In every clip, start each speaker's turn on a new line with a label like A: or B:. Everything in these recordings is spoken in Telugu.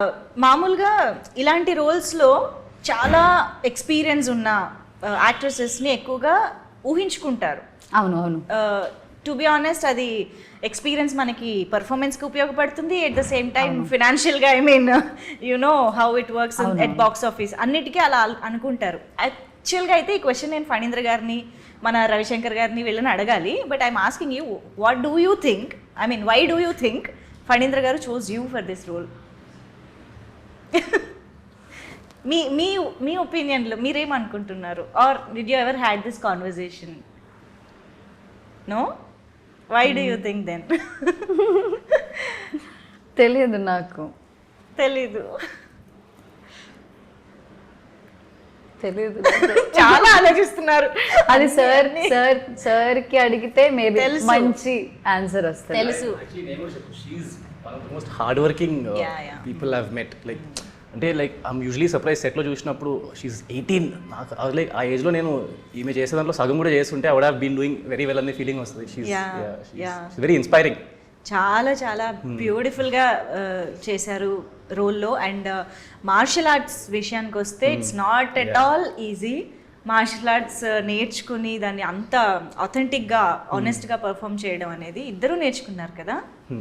A: మామూలుగా ఇలాంటి రోల్స్లో చాలా ఎక్స్పీరియన్స్ ఉన్న యాక్ట్రెసెస్ని ఎక్కువగా ఊహించుకుంటారు.
B: అవును అవును.
A: టు బి ఆనెస్ట్ అది ఎక్స్పీరియన్స్ మనకి పర్ఫార్మెన్స్కి ఉపయోగపడుతుంది. ఎట్ ద సేమ్ టైం ఫినాన్షియల్గా I mean you know how it works at box office అన్నిటికీ అలా అనుకుంటారు. యాక్చువల్గా అయితే ఈ క్వశ్చన్ నేను ఫణీంద్ర గారిని మన రవిశంకర్ గారిని వీళ్ళని అడగాలి. But I'm asking you, what do you think, I mean why do you think Phanindra garu chose you for this role? మీ మీ మీ ఒపీనియన్లో మీరేమనుకుంటున్నారు? Or did you ever had this conversation? No? Why do you think then?
B: తెలియదు నాకు.
A: తెలీదు. చాలా ఆలోచిస్తున్నారు.
B: అది సార్కి అడిగితే మేబీ మంచి ఆన్సర్ వస్తుంది.
A: తెలుసు.
C: one of the most hardworking people I've met. Like అంటే లైక్ ఐమ్ యూజువలీ సర్ప్రైజ్ సెట్లో చూసినప్పుడు షీఈ్ 18. నాకు లైక్ ఆ ఏజ్లో నేను ఈమె చేసే దాంట్లో సగం కూడా చేస్తుంటే I would have been doing very well అనే ఫీలింగ్ వస్తుంది. She's very inspiring.
A: చాలా చాలా బ్యూటిఫుల్గా చేశారు రోల్లో. అండ్ మార్షల్ ఆర్ట్స్ విషయానికి వస్తే it's not at all easy. Martial arts నేర్చుకుని దాన్ని అంత ఆథెంటిక్గా ఆనెస్ట్గా పర్ఫామ్ చేయడం అనేది ఇద్దరూ నేర్చుకున్నారు కదా?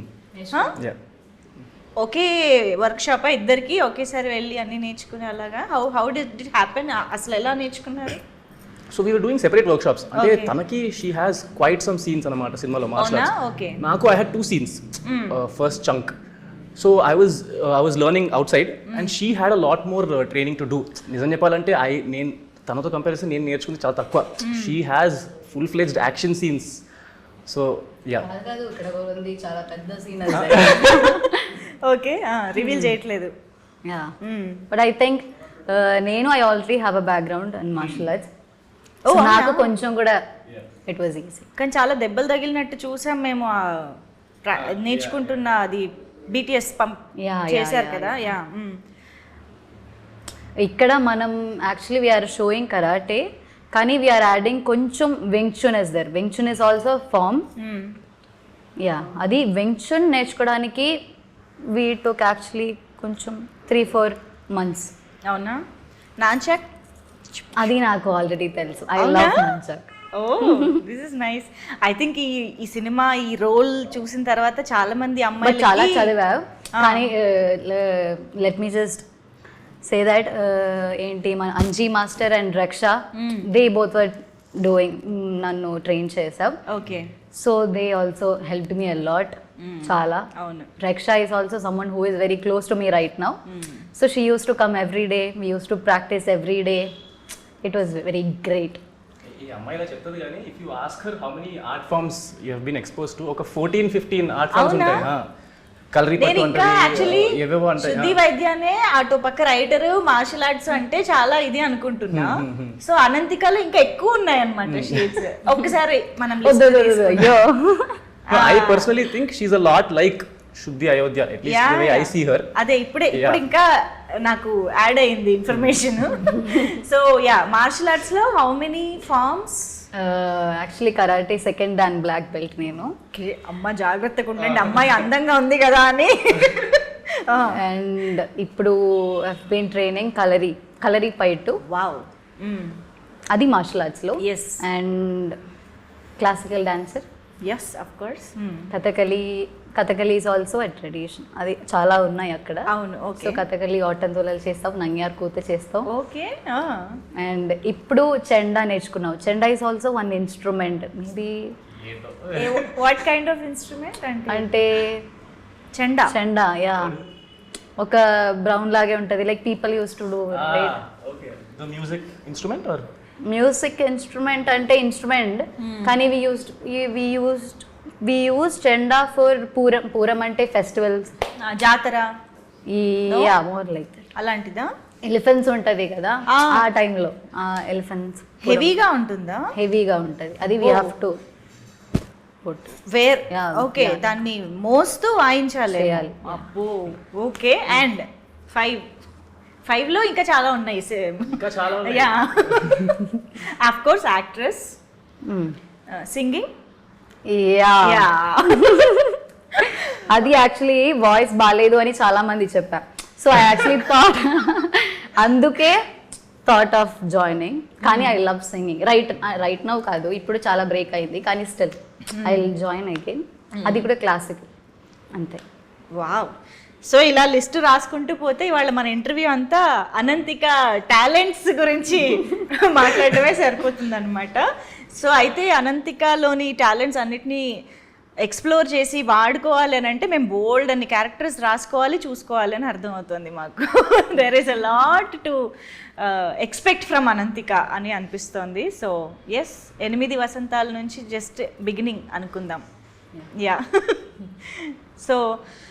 A: ఒకే వర్క్షాప్ ఇద్దరికి ఒకేసారి వెళ్ళి అన్ని నేర్చుకునే అలాగా? How did it happen? అసలు ఎలా నేర్చుకున్నారు?
C: So we were doing separate workshops. అంటే తనకి she has quite some scenes అనమాట సినిమాలో మార్షల్ ఆర్ట్స్. నాకు I had 2 scenes. First chunk. So I was learning outside and she had a lot more training to do. నిజం చెప్పాలంటే నేను తనతో కంపారిజన్ నేను నేర్చుకుంది చాలా తక్కువ. She has full fledged action scenes. So yeah,
B: చాలా పెద్ద సీన్.
A: ఓకే, రివీల్ చేయట్లేదు.
B: యా, బట్ ఐ థింక్ నేను I already have a background in martial arts. నాకు కొంచెం కూడా ఇట్ వాజ్ ఈజీ.
A: కానీ చాలా దెబ్బలు తగిలినట్టు చూసాం మేము నేర్చుకుంటున్న. అది బీటీఎస్ చేశారు కదా? యా.
B: ఇక్కడ మనం యాక్చువల్లీ వీఆర్ షోయింగ్ కరాటే, కానీ వీఆర్ యాడింగ్ కొంచెం Wing Chun is there. Wing Chun is also form. Yeah, అది వింగ్ చున్ నేర్చుకోవడానికి వీ టుక్ యాక్చువల్లీ కొంచెం 3-4 months.
A: అవునా? నాన్చాక్
B: అది నాకు ఆల్రెడీ తెలుసు. I love nunchuck.
A: Oh, this is nice. I think ఈ సినిమా ఈ రోల్ చూసిన తర్వాత చాలా మంది అమ్మాయిలు
B: చాలా చదివావు. కానీ let me just say that ఏంటి మన Anji master and Raksha, they both were doing, నన్ను ట్రైన్ చేసావు.
A: Okay.
B: So they also helped me a lot. చాలా.
A: అవును.
B: Raksha is also someone who is very close to me right now. So she use to come every day, we use to practice every day. It was very great.
C: ఈ అమ్మాయిలా చెప్తుంది కానీ if you ask her how many art forms you have been expose to, ఒక 14-15 ఆర్ట్ ఫార్మ్స్ ఉంటాయి. కలరిపట్టు అంటే ఏవేవో ఉంటాయి.
A: శుద్ధి వైద్యానే అటు పక్క రైటర్, మార్షల్ ఆర్ట్స్ అంటే చాలా ఇది అనుకుంటున్నా. సో అనంతికలో ఇంకా ఎక్కువ ఉన్నాయి అన్నమాట షేడ్స్. ఒక్కసారి మనం
C: I personally think she's a lot like Shuddhi Ayodhya, at least the way I see her.
A: అదే ఇప్పుడు ఇంకా నాకు యాడ్ అయింది information. So yeah, martial arts లో how many forms?
B: Actually karate second dan black belt నేను.
A: అమ్మ జాగ్రత్తగా ఉండండి, అమ్మాయి అందంగా ఉంది కదా అని.
B: అండ్ ఇప్పుడు I've been training Kalaripayattu.
A: Wow.
B: అది మార్షల్ ఆర్ట్స్ లో.
A: Yes.
B: And classical dancer.
A: Yes, of course.
B: Kathakali is also a tradition. అది చాలా ఉన్నాయి అక్కడ.
A: అవును. ఓకే.
B: సో కథకలి ఆటంతులలు చేస్తావు, నంగ్యార్ కూత చేస్తావు.
A: ఓకే.
B: అండ్ ఇప్పుడు చెండా నేర్చుకున్నావు. Chenda is also one instrument. Maybe
A: what kind of instrument
B: అంటే చెండా యా, ఒక బ్రౌన్ లాగే ఉంటుంది. Like people use to do. Music instrument అంటే ఇన్స్ట్రుమెంట్, కానీ we use chenda for Pooram అంటే ఫెస్టివల్స్,
A: జాతర.
B: Yeah, more like that.
A: అలాంటిదా?
B: ఎలిఫెంట్స్ ఉంటది కదా ఆ టైంలో. ఎలిఫెంట్స్
A: హెవీగా ఉంటుందా?
B: హెవీగా ఉంటుంది. అది we have to
A: wear. Okay, దాన్ని మోస్తూ వాయించాలి. అబ్బో. ఓకే. అండ్ 5 లో ఇంకా చాలా ఉన్నాయి. Yeah, of course actress, singing.
B: Yeah, అది యాక్చువల్లీ వాయిస్ బాగాలేదు అని చాలా మంది చెప్పారు. సో ఐ యాక్చువల్లీ థాట్ అందుకే థాట్ ఆఫ్ జాయినింగ్. కానీ I love singing. Right now కాదు, ఇప్పుడు చాలా బ్రేక్ అయింది, కానీ still I will join again. అది కూడా క్లాసిక్ అంతే.
A: వావ్. సో ఇలా లిస్ట్ రాసుకుంటూ పోతే ఇవాళ మన ఇంటర్వ్యూ అంతా అనంతిక టాలెంట్స్ గురించి మాట్లాడటమే సరిపోతుంది అనమాట. సో అయితే అనంతికలోని టాలెంట్స్ అన్నిటినీ ఎక్స్ప్లోర్ చేసి వాడుకోవాలి అని అంటే మేము బోల్డ్ అన్ని క్యారెక్టర్స్ రాసుకోవాలి, చూసుకోవాలి అని అర్థమవుతుంది మాకు. There is a lot to expect from Ananthika అని అనిపిస్తోంది. సో ఎస్, 8 వసంతాల నుంచి జస్ట్ బిగినింగ్ అనుకుందాం. యా. సో